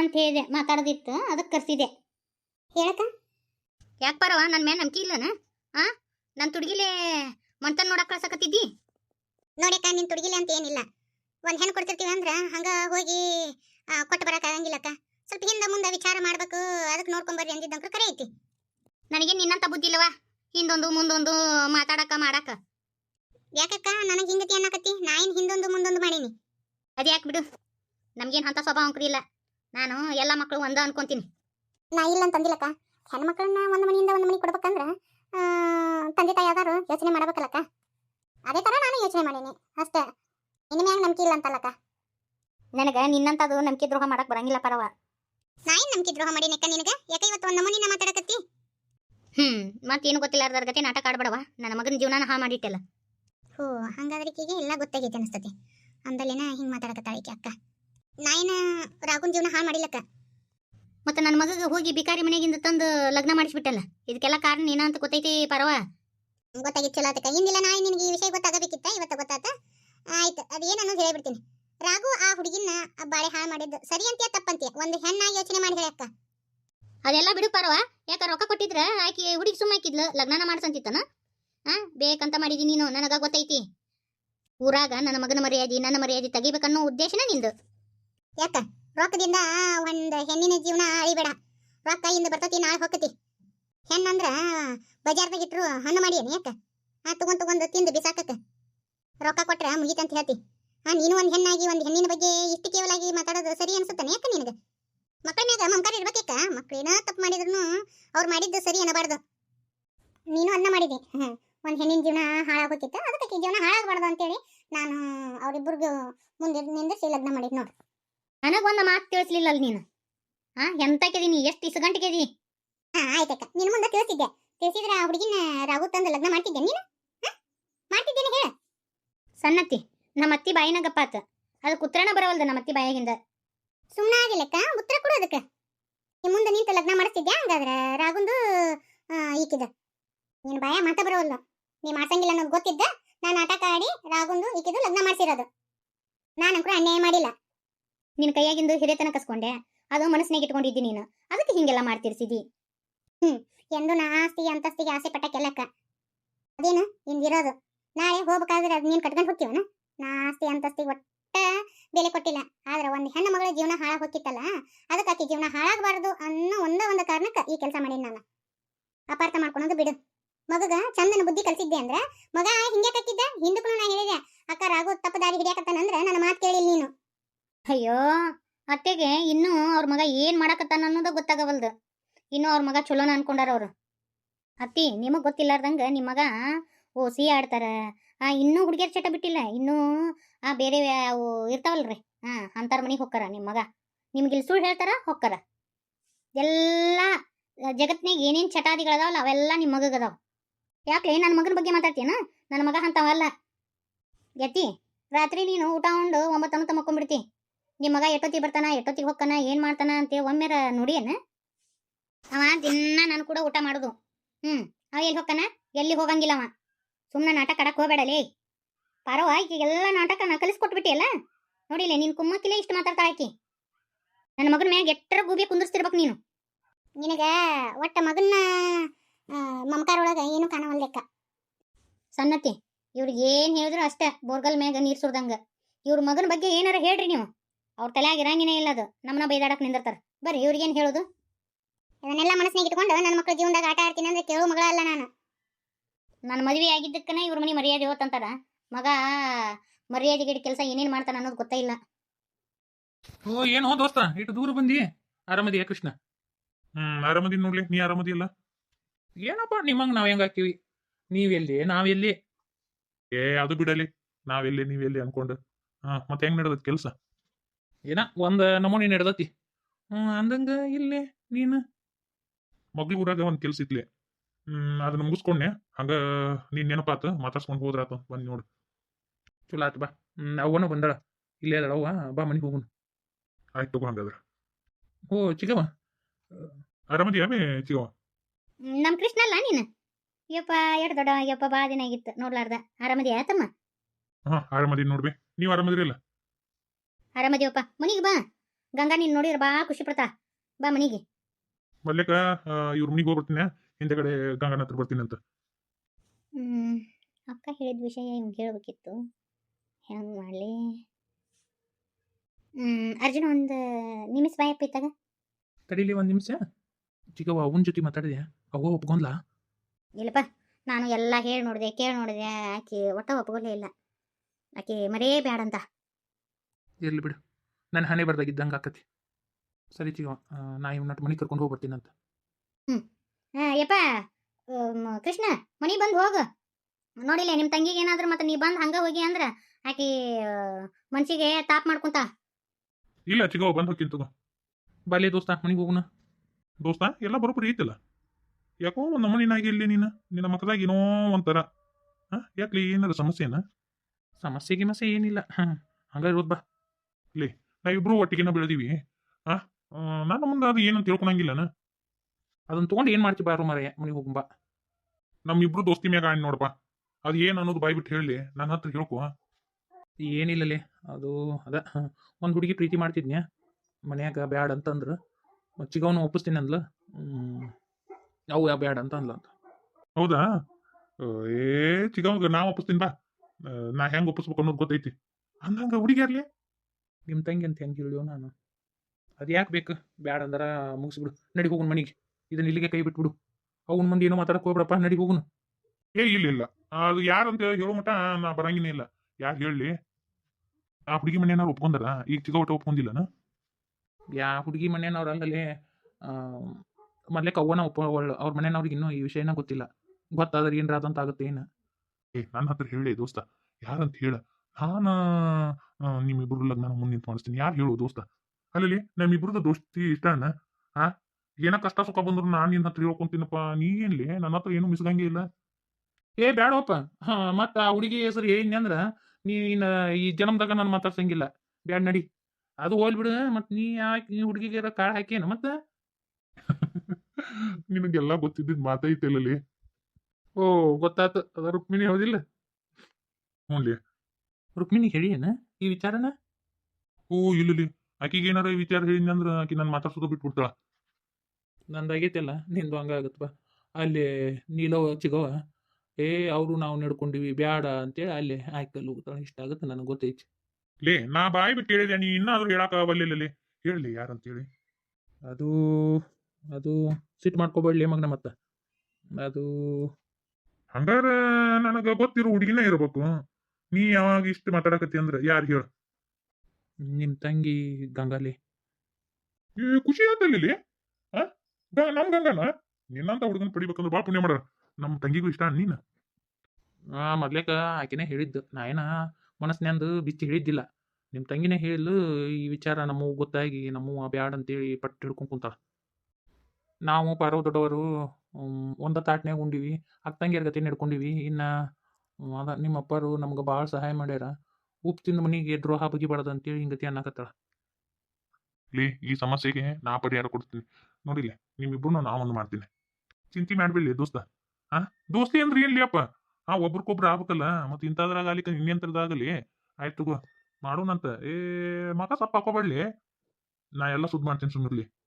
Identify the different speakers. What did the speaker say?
Speaker 1: ಅಂತ ಹೇಳಿದೆ, ಮಾತಾಡೋದಿತ್ತು, ಅದಕ್ಕೆ ಕರ್ಸಿದೆ.
Speaker 2: ಹೇಳಕ್ಕ.
Speaker 1: ಯಾಕೆ ಪರವ ನನ್ನ ಮೇಲೆ ನಂಬಿಕೆ ಇಲ್ಲನ? ಆ ನನ್ನ ತುಡುಗಿಲೆ ಮಂತನ್ ನೋಡಕ್ ಕಳ್ಸಕತ್ತಿದ್ದಿ?
Speaker 2: ನೋಡಿಕ್ಕ, ನಿನ್ ತುಡುಗಿಲೆ ಅಂತ ಏನಿಲ್ಲ. ಒಂದ್ ಹೆಣ್ಣು ಕೊಡ್ತಿರ್ತೀವಿ ಅಂದ್ರ ಹಂಗ ಹೋಗಿ ಕೊಟ್ಟು ಬರಕ್ ಆಗಂಗಿಲ್ಲಕ್ಕ. ಸ್ವಲ್ಪ ಹಿಂದ ಮುಂದೆ ವಿಚಾರ ಮಾಡ್ಬೇಕು, ಅದಕ್ಕೆ ನೋಡ್ಕೊಂಬರ್ರಿ ಅಂದಿದ್ದಂಕ್ರು ಕರೆ ಐತಿ.
Speaker 1: ನನಗೆ ನಿನ್ನಂತ ಬುದ್ಧಿ ಇಲ್ಲವಾ, ಹಿಂದೊಂದು ಮುಂದೊಂದು ಮಾತಾಡಕ ಮಾಡಾಕ.
Speaker 2: ಯಾಕಕ್ಕ ನನಗೆ ಹಿಂಗತಿ ಅನ್ನಕತ್ತಿ? ನಾ ಏನ್ ಹಿಂದೊಂದು ಮುಂದೊಂದು ಮಾಡೀನಿ?
Speaker 1: ಅದ್ಯಾಕೆ ಬಿಡು, ನಮ್ಗೇನು ಅಂತ ಸ್ವಭಾವ ಅಂಕರಿ ಇಲ್ಲ. ನಾನು ಎಲ್ಲ ಮಕ್ಕಳು ಒಂದ ಅನ್ಕೊಂತೀನಿ.
Speaker 2: ನಾ ಇಲ್ಲ ಅಂತಂದಿಲ್ಲಕ್ಕ. ಹೆಣ್ಮಕ್ಳನ್ನ ಒಂದು ಮನೆಯಿಂದ ಒಂದು ಮನೆ ಕೊಡ್ಬೇಕಂದ್ರ ತಂದೆ ತಾಯಿ ಯಾವ್ದಾರು ಯೋಚನೆ ಮಾಡ್ಬೇಕಲ್ಲಕ್ಕ. ಅದೇ ತರ ನಾನು ಯೋಚನೆ ಮಾಡೀನಿ ಅಷ್ಟೇ. ಇನ್ನು ಮ್ಯಾಗ ನಂಬಿಕೆ ಇಲ್ಲ ಅಂತಲ್ಲಕ್ಕ.
Speaker 1: ನನಗೆ ನಿನ್ನಂತದು ನಂಬಿಕೆ ದ್ರೋಹ ಮಾಡಕ್ ಬರಂಗಿಲ್ಲ ಪರವ.
Speaker 2: ನಾ ಏನ್ ನಂಬಿಕೆ ದ್ರೋಹ ಮಾಡೀನಕ್ಕ ನಿನಗ? ಯಾಕ ಇವತ್ತು ಒಂದು ನಮೂನಿನ ಮಾತಾಡಕತ್ತಿ?
Speaker 1: ಮತ್ತೇನು ಗೊತ್ತಿಲ್ಲಾರ್ದರ ಗತಿ ನಾಟಕ ಆಡ್ಬೇಡವ. ನನ್ನ ಮಗನ ಜೀವನ ಹಾ ಮಾಡಿಟ್ಟೆಲ್ಲ.
Speaker 2: ಹೋ, ಹಂಗಾದ್ರೆ ಈಕೆಗೆ ಎಲ್ಲ ಗೊತ್ತಾಗೈತೆ ಅನಿಸ್ತತಿ. ಅಂದಲೇನ ಹಿಂಗ್ ಮಾತಾಡಕತ್ತಾಳ ಈಕೆ ಅಕ್ಕ. ನಾ ಏನ ರಾಘುನ್ ಜೀವನ ಹಾಳು ಮಾಡಿಲ್ಲಕ್ಕ.
Speaker 1: ಮತ್ತೆ ನನ್ನ ಮಗಗೆ ಹೋಗಿ ಬಿಕಾರಿ ಮನೆಗಿಂದ ತಂದು ಲಗ್ನ ಮಾಡಿಸ್ಬಿಟ್ಟಲ್ಲ. ಇದಕ್ಕೆಲ್ಲ ಕಾರಣ ನೀನ ಅಂತ ಗೊತ್ತೈತಿ ಪರವ.
Speaker 2: ಗೊತ್ತಾಗಿತ್ತು, ಚಲೋ ಆತಕ್ಕ. ಹಿಂದಿಲ್ಲ ನಾಳೆ ನಿನಗೆ ಈ ವಿಷಯ ಗೊತ್ತಾಗಬೇಕಿತ್ತ, ಇವತ್ತು ಗೊತ್ತಾತ. ಆಯ್ತು, ಅದೇನು ಅನ್ನೋದು ಹೇಳ್ಬಿಡ್ತೀನಿ. ರಾಘು ಆ ಹುಡುಗಿನ ಬಾಳೆ ಹಾಳು ಮಾಡಿದ್ದು ಸರಿ ಅಂತೀಯ ತಪ್ಪಂತೀಯ? ಒಂದು ಹೆಣ್ಣಾಗಿ ಯೋಚನೆ ಮಾಡಿ ಹೇಳಕ್ಕ.
Speaker 1: ಅದೆಲ್ಲ ಬಿಡು ಪರವ. ಯಾಕ ರೊಕ್ಕ ಕೊಟ್ಟಿದ್ರ ಆಕಿ ಹುಡುಗಿ ಸುಮ್ಮ ಹಾಕಿದ್ಲು, ಲಗ್ನ ಮಾಡ್ಸಂತಿತ್ತನ? ಬೇಕಂತ ಮಾಡಿದಿ ನೀನು, ನನಗ ಗೊತ್ತೈತಿ. ಊರಾಗ ನನ್ನ ಮಗನ ಮರ್ಯಾದೆ ತೆಗಿಬೇಕನ್ನೋ ಉದ್ದೇಶನ ನಿಂದು.
Speaker 2: ಯಾಕ ರೊಕ್ಕದಿಂದ ಒಂದು ಹೆಣ್ಣಿನ ಜೀವನ ಅಳಿಬೇಡ. ರೊಕ್ಕ ಇಂದ ಬರ್ತತಿ, ನಾಳೆ ಹೋಗತಿ. ಹೆಣ್ಣಂದ್ರ ಬಜಾರ್ದಾಗ ಇಟ್ರು ಹಣ್ಣು ಮಾಡಿ ಯಾಕ ತಗೊಂಡು ತಿಂದು ಬಿಸಾಕಕ್ಕ. ರೊಕ್ಕ ಕೊಟ್ರ ಮುಗಿತಂತ ಹೇಳ್ತಿ. ನೀನು ಒಂದು ಹೆಣ್ಣಾಗಿ ಒಂದು ಹೆಣ್ಣಿನ ಬಗ್ಗೆ ಇಷ್ಟು ಕೇವಲಾಗಿ ಮಾತಾಡೋದು ಸರಿ ಅನ್ಸುತ್ತಾನೆ ಯಾಕ ನಿನಗೆ? ಮಕ್ಕಳ ಮ್ಯಾಗ ಮಮಕಾರ ಇರ್ಬೇಕ. ಮಕ್ಕಳೇನ ತಪ್ಪು ಮಾಡಿದ್ರು ಅವ್ರು ಮಾಡಿದ್ದು ಸರಿ ಅನ್ನಬಾರ್ದು. ನೀನು ಅನ್ನ ಮಾಡಿದಿ, ಒಂದು ಹೆಣ್ಣಿನ ಜೀವನ ಹಾಳಾಗೋಕಿತ್ತ, ಅದಕ್ಕೆ ಜೀವನ ಹಾಳಾಗಬಾರ್ದು ಅಂತೇಳಿ ನಾನು ಅವರಿಬ್ಬರಿಗೂ ಮುಂದೆ ನಿಂದಿಸಿ ಲಗ್ನ ಮಾಡಿದ್ ನೋಡ್ರಿ.
Speaker 1: ನನಗೊಂದು ಮಾತು ತಿಳಿಸ್ಲಿಲ್ಲ ಅಲ್ಲಿ ನೀನು. ಎಂತಕ್ಕೆದೀನಿ, ಎಷ್ಟು ಇಸಗಂಟಿಗೆದಿ?
Speaker 2: ಆಯ್ತಕ್ಕ, ನಿನ್ನ ಮುಂದೆ ತಿಳಿಸಿದ್ದೆ. ತಿಳಿಸಿದ್ರೆ ಆ ಹುಡುಗಿನ ರಾಘು ತಂದು ಲಗ್ನ ಮಾಡ್ತಿದ್ದೆ ನೀನು? ಮಾಡ್ತಿದ್ದೇನೆ ಹೇಳ.
Speaker 1: ಸಣ್ಣತ್ತಿ, ನಮ್ಮ ಅತ್ತಿ ಬಾಯಿನ ಗಪ್ಪಾತ, ಅದಕ್ಕೆ ಉತ್ತರನ ಬರವಲ್ದ ನಮ್ಮ ಅತ್ತಿ ಬಾಯಾಗಿಂದ.
Speaker 2: ಸುಮ್ಮನೆ ಆಗಿಲ್ಲಕ್ಕ, ಉತ್ತರ ಕೊಡು ಅದಕ್ಕೆ. ನಿಮ್ಮ ಮುಂದೆ ನಿಂತು ಲಗ್ನ ಮಾಡಿಸ್ತಿದ್ಯಾ? ಹಂಗಾದ್ರೆ ರಾಘುಂದು ಈಕಿದ ನೀನು ಬಾಯ ಮಾತ ಬರೋವಲ್ಲ. ನೀ ಮಾಡ್ಸಂಗಿಲ್ಲ ಅನ್ನೋದು ಗೊತ್ತಿದ್ದ ನಾನು ನಾಟಕ ಆಡಿ ರಾಘುಂದು ಈಕಿದು ಲಗ್ನ ಮಾಡಿಸಿರೋದು. ನಾನಂಕೂ ಅನ್ಯಾಯ ಮಾಡಿಲ್ಲ.
Speaker 1: ನಿನ್ನ ಕೈಯಾಗಿಂದು ಹಿರಿಯತನ ಕಸ್ಕೊಂಡೆ, ಅದು ಮನಸ್ಸಿನಾಗ ಇಟ್ಕೊಂಡಿದ್ದಿ ನೀನು, ಅದಕ್ಕೆ ಹಿಂಗೆಲ್ಲ ಮಾಡ್ತಿರ್ಸಿದಿ.
Speaker 2: ಎಂದು ನಾ ಆಸ್ತಿ ಅಂತಸ್ತಿಗೆ ಆಸೆ ಪಟ್ಟಕ್ಕೆಲ್ಲಕ್ಕ. ಅದೇನು ಹಿಂದಿರೋದು, ನಾಳೆ ಹೋಗ್ಬೇಕಾದ್ರೆ ಅದು ನೀನು ಕಟ್ಕೊಂಡು ಹೋಗ್ತೀವನ? ನಾ ಆಸ್ತಿ ಅಂತಸ್ತಿಗೆ ಒಟ್ಟ ಬೆಲೆ ಕೊಟ್ಟಿಲ್ಲ. ಆದ್ರೆ ಒಂದು ಹೆಣ್ಣು ಮಗಳ ಜೀವನ ಹಾಳಾಗಿ ಹೋಗಿತ್ತಲ್ಲ, ಅದಕ್ಕೆ ಆಕೆ ಜೀವನ ಹಾಳಾಗಬಾರ್ದು ಅನ್ನೋ ಒಂದು ಕಾರಣಕ್ಕೆ ಈ ಕೆಲಸ ಮಾಡೀನಿ ನಾನು. ಅಪಾರ್ಥ ಮಾಡ್ಕೊಳೋದು ಬಿಡು. ಮಗಗ ಚಂದನ ಬುದ್ಧಿ ಕಲ್ಸಿದ್ದೆ ಅಂದ್ರೆ ಮಗ ಹಿಂಗೆ ಕಟ್ಟಿದ್ದ. ಹಿಂದಕ್ಕೂ ನಾ ಹೇಳಿದೆ, ಅಕ್ಕ ರಾಘು ತಪ್ಪು ದಾರಿ ಹಿಡಿಯಾಕತ್ತಾನಂದ್ರೆ ನನ್ನ ಮಾತು ಕೇಳಿಲ್ಲ ನೀನು.
Speaker 1: ಅಯ್ಯೋ, ಅತ್ತೆಗೆ ಇನ್ನೂ ಅವ್ರ ಮಗ ಏನ್ ಮಾಡಕತ್ತಾನ ಅನ್ನೋದು ಗೊತ್ತಾಗವಲ್ದು. ಇನ್ನೂ ಅವ್ರ ಮಗ ಚಲೋನ ಅನ್ಕೊಂಡಾರ ಅವ್ರು. ಅತ್ತಿ, ನಿಮಗ್ ಗೊತ್ತಿಲ್ಲಾರ್ದಂಗ ನಿಮ್ಮ ಮಗ ಓಸಿ ಆಡ್ತಾರ. ಇನ್ನೂ ಹುಡುಗಿಯರ್ ಚಟ ಬಿಟ್ಟಿಲ್ಲ. ಇನ್ನೂ ಬೇರೆ ಅವು ಇರ್ತಾವಲ್ರಿ, ಅಂತಾರ ಮನಿಗೆ ಹೊಕ್ಕಾರ ನಿಮ್ಮ ಮಗ. ನಿಮ್ಗಿಲ್ ಸುಳ್ಳು ಹೇಳ್ತಾರ, ಹೊಕ್ಕಾರ. ಎಲ್ಲ ಜಗತ್ನಾಗ ಏನೇನ್ ಚಟಾದಿಗಳದಾವಲ್ಲ ಅವೆಲ್ಲ ನಿಮ್ಮ ಮಗಗದಾವ. ಯಾಕೆ ನನ್ನ ಮಗನ ಬಗ್ಗೆ ಮಾತಾಡ್ತೀಯನ? ನನ್ನ ಮಗ ಅಂತವಲ್ಲ. ಯತಿ, ರಾತ್ರಿ ನೀನು ಊಟ ಉಂಡು 9 ಮಕ್ಕೊಂಡ್ಬಿಡ್ತಿ. ನಿಮ್ಮ ಮಗ ಎಷ್ಟೊತ್ತಿಗೆ ಬರ್ತಾನ, ಎಷ್ಟೊತ್ತಿಗೆ ಹೊಕ್ಕನ, ಏನ್ ಮಾಡ್ತಾನ ಅಂತ ಒಮ್ಮೆರ ನೋಡಿಯೇನ? ಅವ ದಿನ ನಾನು ಕೂಡ ಊಟ ಮಾಡುದು. ಅವ ಎಲ್ಲಿ ಹೊಕ್ಕನ, ಎಲ್ಲಿ ಹೋಗಂಗಿಲ್ಲ ಅವ. ಸುಮ್ಮನೆ ನಾಟಕ ಆಡಕ್ ಹೋಗ್ಬೇಡಲೇ ಪಾರವ. ಈಗೆಲ್ಲ ನಾಟಕ ಕಲಿಸ್ಕೊಟ್ಬಿಟ್ಟಿಯಲ್ಲ. ನೋಡಿಲ್ಲ, ನೀನ್ ಕುಮ್ಮಕ್ಕಿಲ್ಲ ಇಷ್ಟು ಮಾತಾಡ್ತಾಳ ಆಕಿ. ನನ್ನ ಮಗನ ಮ್ಯಾಗ ಎಟ್ಟರ ಗೂಬೆ ಕುಂದಿರ್ಸ್ತಿರ್ಬೇಕು ನೀನು.
Speaker 2: ನಿನಗ ಒಟ್ಟ ಮಗನ್ನ ಮಮಕಾರ ಒಳಗ ಏನು ಕಾಣವಲ್ಲೆಕ್ಕ.
Speaker 1: ಸಣ್ಣತಿ, ಇವ್ರಿಗೆ ಏನ್ ಹೇಳಿದ್ರು ಅಷ್ಟೇ ಬೋರ್ಗಲ್ ಮ್ಯಾಗ ನೀರ್ ಸುರ್ದಂಗ. ಇವ್ರ ಮಗನ ಬಗ್ಗೆ ಏನಾರ ಹೇಳ್ರಿ ನೀವು, ಅವ್ರ ತಲೆಯಾಗ ಇರಂಗಿನೇ ಇಲ್ಲ. ಅದು ನಮ್ಮನ್ನ ಬೈದಾಡಕ್ ನಿಂದಿರ್ತಾರ. ಬರ್ರಿ, ಇವ್ರಿಗೇನ್ ಹೇಳುದು?
Speaker 2: ಇದನ್ನೆಲ್ಲ ಮನಸ್ಸಿನಾಗ ಇಟ್ಕೊಂಡು ನನ್ನ ಮಕ್ಕಳ ಜೀವನದಾಗ ಆಟ ಆಡ್ತೀನಿ ಅಂದ್ರೆ ಕೇಳೋ ಮಗಳ ಅಲ್ಲ ನಾನು.
Speaker 1: ನನ್ನ ಮದುವೆ ಆಗಿದ್ದಕ್ಕನ ಇವ್ರ ಮನೆ ಮರ್ಯಾದೆ ಹೋತಂತಾರ. ಮಗ ಮರ್ಯಾದೆ ಗಿಡ ಕೆಲಸ ಏನೇನ್ ಮಾಡ್ತಾನ ಅನ್ನೋದು ಗೊತ್ತಾ ಇಲ್ಲ.
Speaker 3: ಓ, ಏನೋ ದೋಸ್ತ, ಇಟ್ಟು ದೂರ ಬಂದಿ. ಆರಾಮದಿಯಾ ಕೃಷ್ಣ? ಆರಾಮದಿ ನೋಡ್ಲಿ. ನೀ ಆರಾಮದಿಯಲ್ಲ? ಏನಪ್ಪ ನಿಮ್ಮಂಗ್ ನಾವ್ ಹೆಂಗ ಹಾಕಿವಿ? ನೀವೆಲ್ಲಿ ನಾವೆಲ್ಲಿ? ಅದು ಬಿಡಲಿ, ನಾವೆಲ್ಲಿ ನೀವೆಲ್ಲಿ ಅನ್ಕೊಂಡು. ಮತ್ತೆ ಹೆಂಗ್ ನಡೆದತ್ ಕೆಲ್ಸ? ಏನ ಒಂದ್ ನಮೂನಿ ನಡೆದತಿ. ಅಂದಂಗ ಇಲ್ಲೇ ನೀನು ಮಗ್ಳ ಊರಾಗ ಒಂದ್ ಕೆಲ್ಸ ಇತ್ಲೆ. ಅದನ್ನ ಮುಗಿಸ್ಕೊಂಡೆ. ಹಂಗ ನೀನ್ ನೆನಪಾತ, ಮಾತಾಡ್ಸ್ಕೊಂಡ್ ಹೋದ್ರಾತ. ಬಂದ್ ನೋಡು, ಚಲೋ ಆತ್ ಬಾ. ಅವ್ವನ ಬಂದಾಳ, ಇಲ್ಲೇ ಅದಳ ಅವ್ವ. ಬಾ ಮನಿಗೆ ಹೋಗುನ್. ಆಯ್ತು ತಗೋ ಹಂಗಾದ್ರ. ಓ ಚಿಗವ, ಆರಾಮದಿಯಾವೇ ಚಿಗವ?
Speaker 1: ನಮ್ ಕೃಷ್ಣ ಅಲ್ಲ ನೀನು? ಯಪ್ಪ, ಎಡ್ ದೊಡ್ಡ ಯಪ್ಪ, ಬಾಳ ದಿನ ಆಗಿತ್ತು ನೋಡ್ಲಾರ್ದ. ಆರಾಮದಿಯಾ ತಮ್ಮ?
Speaker 3: ಆರಾಮದಿ ನೋಡ್ಬಿ. ನೀವ್ ಆರಾಮದಿರಲ್ಲ?
Speaker 1: ಆರಾಮದಿವಪ್ಪ. ಮನಿಗೆ ಬಾ, ಗಂಗಾ ನೀನ್ ನೋಡಿದ್ರ ಬಾ ಖುಷಿ ಪಡ್ತಾ ಬಾ ಮನಿಗೆ.
Speaker 3: ಬರ್ಲಿಕ್ಕ ಇವ್ರ ಮನಿಗೆ ಹೋಗ್ಬರ್ತೀನಿ, ಹಿಂದೆಗಡೆ ಗಂಗನ ಹತ್ರ ಬರ್ತೀನಿ ಅಂತ.
Speaker 1: ಅಕ್ಕ ಹೇಳಿದ ವಿಷಯ ಇವ್ಗೆ ಹೇಳ್ಬೇಕಿತ್ತು, ಹೆಂಗ್ ಮಾಡ್ಲಿ? ಅರ್ಜುನ ಒಂದು ನಿಮಿಷ ಬಾಯಪ್ಪ ಇತ್ತಾಗ.
Speaker 3: ತಡೀಲಿ ಒಂದು ನಿಮಿಷ. ಚಿಕ್ಕವ್ವ ಅವನ ಜೊತೆ ಮಾತಾಡಿದೆ, ಅವ್ವ ಒಪ್ಕೊಂಡ್ಲಾ?
Speaker 1: ಇಲ್ಲಪ್ಪ, ನಾನು ಎಲ್ಲ ಹೇಳಿ ನೋಡಿದೆ ಕೇಳಿ ನೋಡಿದೆ, ಆಕೆ ಒಟ್ಟ ಒಪ್ಕೊಳ್ಳೇ ಇಲ್ಲ. ಆಕೆ ಮರೇ ಬ್ಯಾಡಂತ.
Speaker 3: ಇರ್ಲಿ ಬಿಡು, ನನ್ನ ಹಣೆ ಬರ್ದಾಗಿದ್ದಂಗೆ ಆಕತಿ. ಸರಿ ಚಿಕ್ಕವ್ವ, ನಾ ಇವ್ನ ಮನೆಗೆ ಕರ್ಕೊಂಡು ಹೋಗ್ಬರ್ತೀನಂತ.
Speaker 1: ಯಪ್ಪ ಕೃಷ್ಣ ಮನಿ ಬಂದು ಹೋಗು. ನೋಡಿಲ್ಲ ನಿಮ್ಮ ತಂಗಿಗೆ ಏನಾದ್ರು ಮತ್ತೆ ನೀ ಬಂದು ಹಂಗ ಹೋಗಿ ಅಂದ್ರ ಆಕಿ ಮನ್ಸಿಗೆ ತಾಪ್ ಮಾಡ್ಕೊಂತ.
Speaker 3: ಇಲ್ಲ ಚಿಕ್ಕವ್ವ, ಬಂದು ಹೋಗ್ತೀನಿ ತಗೋ. ಬಾಲ್ಯ ದೋಸ್ತ ಮನೆಗೆ ಹೋಗುಣ. ದೋಸ್ತ ಎಲ್ಲ ಬರೋಬ್ಬರಿ ಐತಲ್ಲ, ಯಾಕೋ ಒಂದು ನಮ್ಮನಿನಾಗಿ ಇಲ್ಲಿ ನಿನ್ನ ಮಕ್ಕಳಾಗ ಏನೋ ಒಂಥರ. ಯಾಕ್ಲಿ ಏನಾರ ಸಮಸ್ಯೆನಾ? ಸಮಸ್ಯೆ ಗಿಮಸ್ಯೆ ಏನಿಲ್ಲ, ಹಂಗ ಇರೋದು ಬಾ. ಇಲ್ಲಿ ನಾವಿಬ್ರು ಒಟ್ಟಿಗೆನ ಬೆಳೆದೀವಿ. ನಾನು ಮುಂದೆ ಅದು ಏನು ತಿಳ್ಕೊಳಂಗಿಲ್ಲನ. ಅದನ್ನ ತೊಗೊಂಡು ಏನು ಮಾಡ್ತಿ ಬಾರು ಮರೆಯ, ಮನೆಗೆ ಹೋಗುಂಬಾ. ನಮ್ಮಿಬ್ರು ದೋಸ್ತಿ ಮ್ಯಾಗ ಆಣ್ ನೋಡಪ್ಪ. ಅದು ಏನು ಅನ್ನೋದು ಬಾಯ್ ಬಿಟ್ಟು ಹೇಳಿ, ನನ್ನ ಹತ್ರ ಹೇಳ್ಕೊ. ಏನಿಲ್ಲಲೇ, ಅದು ಒಂದು ಹುಡುಗಿ ಪ್ರೀತಿ ಮಾಡ್ತಿದ್ನ್ಯಾ, ಮನ್ಯಾಗ ಬ್ಯಾಡ ಅಂತಂದ್ರೆ ಚಿಗವನು ಒಪ್ಪಿಸ್ತೀನಿ ಅಂದ್ಲ. ಅವು ಯಾವ ಬ್ಯಾಡ ಅಂತ ಅಂದ್ಲ ಅಂತ. ಹೌದಾ? ಏ ಚಿಗವ್ಗ ನಾ ಒಪ್ಪಿಸ್ತೀನಿ ಬಾ. ನಾ ಹೆಂಗೆ ಒಪ್ಪಿಸ್ಬೇಕು ಅನ್ನೋದು ಗೊತ್ತೈತಿ. ಅಂದಂಗ ಹುಡುಗಿ ಯಾರ್ಲಿ ನಿಮ್ಮ ತಂಗಿ ಅಂತ ಹೆಂಗೆ ಹೇಳಿಯೋ ನಾನು. ಅದು ಯಾಕೆ ಬೇಕು? ಬ್ಯಾಡ ಅಂದಾರ ಮುಗಿಸ್ಬಿಡು, ನಡಿ ಹೋಗುನ್ ಮನೆಗೆ. ಇದನ್ನ ಇಲ್ಲಿಗೆ ಕೈ ಬಿಟ್ಬಿಡು. ಅವನ ಮಂದಿ ಏನೋ ಮಾತಾಡಕ್ ಹೋಗ್ಬಿಡಪ್ಪ, ನಡಿ ಹೋಗುನು. ಏ ಇಲ್ಲ ಅದು ಯಾರಂತ ಹೇಳೋ ಮಟ ನಾ ಬರಂಗಿನೇ ಇಲ್ಲ. ಯಾರು ಹೇಳಲಿ? ಆ ಹುಡುಗಿ ಮನೆಯವ್ರು ಒಪ್ಕೊಂಡಾರ, ಈಗ ಚಿಕ್ಕ ಒಟ್ಟ ಒಪ್ಕೊಂಡಿಲ್ಲನ? ಯಾ ಹುಡುಗಿ ಮನೆಯವ್ರು ಅಲ್ಲಲ್ಲಿ ಮೊದ್ಲೇ ಕವ್ವನ ಒಳ್ಳ ಅವ್ರ ಮನೆಯವ್ರಿಗೆ ಇನ್ನೂ ಈ ವಿಷಯನ ಗೊತ್ತಿಲ್ಲ. ಗೊತ್ತಾದ್ರೆ ಏನ್ರ ಅದಂತ ಆಗುತ್ತೆ ಏನು? ನನ್ನ ಹತ್ರ ಹೇಳಿ ದೋಸ್ತ, ಯಾರಂತ ಹೇಳ. ನಾನು ನಿಮ್ಮಿಬ್ರು ಲಗ್ನ ಮುಂದೆ ನಿಂತು ಮಾಡಿಸ್ತೀನಿ. ಯಾರು ಹೇಳು ದೋಸ್ತ? ಅಲ್ಲಿ ನಮ್ಮಿಬ್ರದ್ದು ದೋಸ್ತಿ ಇಷ್ಟನ? ಏನ ಕಷ್ಟ ಸುಖ ಬಂದ್ರು ನಾನು ನಿನ್ನ ಹತ್ರ ಹೇಳ್ಕೊಂತೀನಪ್ಪ. ನೀ ಏನ್ಲಿ ನನ್ನ ಹತ್ರ ಏನು ಮಿಸ್ಗಂಗೆ ಇಲ್ಲ. ಏ ಬ್ಯಾಡಪ್ಪ. ಮತ್ತ ಆ ಹುಡುಗಿ ಹೆಸರು ಏನಂದ್ರ ನೀನ ಈ ಜನ್ಮದಾಗ ನಾನು ಮಾತಾಡ್ಸಂಗಿಲ್ಲ. ಬ್ಯಾಡ ನಡಿ. ಅದು ಹೋಲ್ಬಿಡು. ಮತ್ ನೀ ಯಾಕೆ ನೀ ಹುಡುಗಿಗೆ ಕಾಳು ಹಾಕೇನ ಮತ್ತ? ನಿನಗೆಲ್ಲ ಗೊತ್ತಿದ್ದಿದ್ ಮಾತೈತಲ್ಲಿ. ಓ ಗೊತ್ತಾತು, ಅದ ರುಕ್ಮಿಣಿ ಹೌದಿಲ್ಲ? ಹ್ಞೂಲಿ. ರುಕ್ಮಿಣಿ ಹೇಳಿಯೇನ ಈ ವಿಚಾರನ? ಓ ಇಲ್ಲಿ ಆಕಿಗೆ ಏನಾರ ಈ ವಿಚಾರ ಹೇಳಿದ್ನಿ ಅಂದ್ರ ಆಕಿ ನಾನು ಮಾತಾಡ್ಸೋದು ಬಿಟ್ಬಿಡ್ತಾಳ. ನಂದಾಗೈತೆಲ್ಲ, ನಿಂದು ಹಂಗಾಗತ್ತಪ್ಪ. ಅಲ್ಲಿ ನೀಲೋ ಚಿಗವ ಅವರು ನಾವು ನಡ್ಕೊಂಡಿವಿ ಬ್ಯಾಡ ಅಂತೇಳಿ ಅಲ್ಲಿ ಆಯ್ಕಲ್ಲಿ ಹೋಗ್ತಾಳ. ಇಷ್ಟ ಆಗುತ್ತೆ ನನಗೆ ಗೊತ್ತೈತಿ. ಲೇ ನಾ ಬಾಯಿ ಬಿಟ್ಟು ಹೇಳಿದೆ, ನೀ ಇನ್ನಾದ್ರೂ ಹೇಳಾಕ ಬಲ್ಲಿಲ್ಲೇ. ಹೇಳಿ ಯಾರಂತೇಳಿ. ಅದು ಅದು ಸಿಟ್ ಮಾಡ್ಕೋಬೇಡ್ಲಿ ಮಗನ. ಮತ್ತ ಅದು ಹಂಗಾರ ನನಗೆ ಗೊತ್ತಿರೋ ಹುಡುಗಿನ ಇರ್ಬೇಕು. ನೀ ಯಾವಾಗ ಇಷ್ಟು ಮಾತಾಡಕತ್ತಿ ಅಂದ್ರೆ ಯಾರು ಹೇಳ? ನಿಮ್ಮ ತಂಗಿ ಗಂಗಾಲಿ. ಖುಷಿ ಆತಲ್ಲಿ. ನಮ್ ಗಂಗಾನ ನಿನ್ನಂತ ಹುಡುಗನ ಪಡಿಬೇಕಂದ್ರೆ ಭಾಳ ಪುಣ್ಯ ಮಾಡ್ರ. ನಮ್ಮ ತಂಗಿಗೂ ಇಷ್ಟ ನೀನು. ಮೊದ್ಲೇಕ ಆಕಿನೇ ಹೇಳಿದ್ದು, ನಾ ಏನ ಮನಸ್ಸಿನಂದು ಬಿಚ್ಚಿ ಹೇಳಿದ್ದಿಲ್ಲ. ನಿಮ್ಮ ತಂಗಿನೇ ಹೇಳಲು ಈ ವಿಚಾರ ನಮ್ಮವು ಗೊತ್ತಾಗಿ ನಮ್ಮ ಬ್ಯಾಡ ಅಂತೇಳಿ ಪಟ್ಟು ಹಿಡ್ಕೊಂಡು ಕುಂತಾಳ. ನಾವು ಪಾರವ ದೊಡ್ಡವರು ಒಂದ ತಾಟ್ನ್ಯಾಗ ಉಂಡಿವಿ, ಅಕ್ಕಂಗಿಯರ್ ಗತಿ ನಡ್ಕೊಂಡಿವಿ. ಇನ್ನು ಅದ ನಿಮ್ಮ ಅಪ್ಪರು ನಮ್ಗೆ ಭಾಳ ಸಹಾಯ ಮಾಡ್ಯಾರ. ಉಪ್ಪು ತಿಂದು ಮನೆಗೆ ದ್ರೋಹ ಬಗಿಬಾರ್ದು ಅಂತೇಳಿ ಹಿಂಗತಿ ಅನ್ನಕತ್ತಾಳ. ಈ ಸಮಸ್ಯೆಗೆ ನಾ ಪರಿಹಾರ ಕೊಡ್ತೀನಿ ನೋಡಿಲ್ಲ. ನಿಮ್ಮಿಬ್ರು ನಾವೊಂದು ಮಾಡ್ತೀನಿ. ಚಿಂತೆ ಮಾಡ್ಬಿಡ್ಲಿ ದೋಸ್ತ. ದೋಸ್ತಿ ಅಂದ್ರೆ ಏನ್ಲಿ ಅಪ್ಪ? ಒಬ್ರಿಗೊಬ್ರು ಆಗ್ಬೇಕಲ್ಲ. ಮತ್ತೆ ಇಂಥದ್ರಾಗ ಆಗ್ಲಿಕ್ಕೆ ಇನ್ನೆಂತರದಾಗಲಿ. ಆಯ್ತು ತಗೋ ಮಾಡೋಣಂತ. ಮಗ ಸಪ್ಪ ಹಾಕೋಬೇಡ್ಲಿ. ನಾ ಎಲ್ಲ ಸುದ್ದಿ ಮಾಡ್ತೀನಿ ಸುಮ್ಮಿರ್ಲಿ.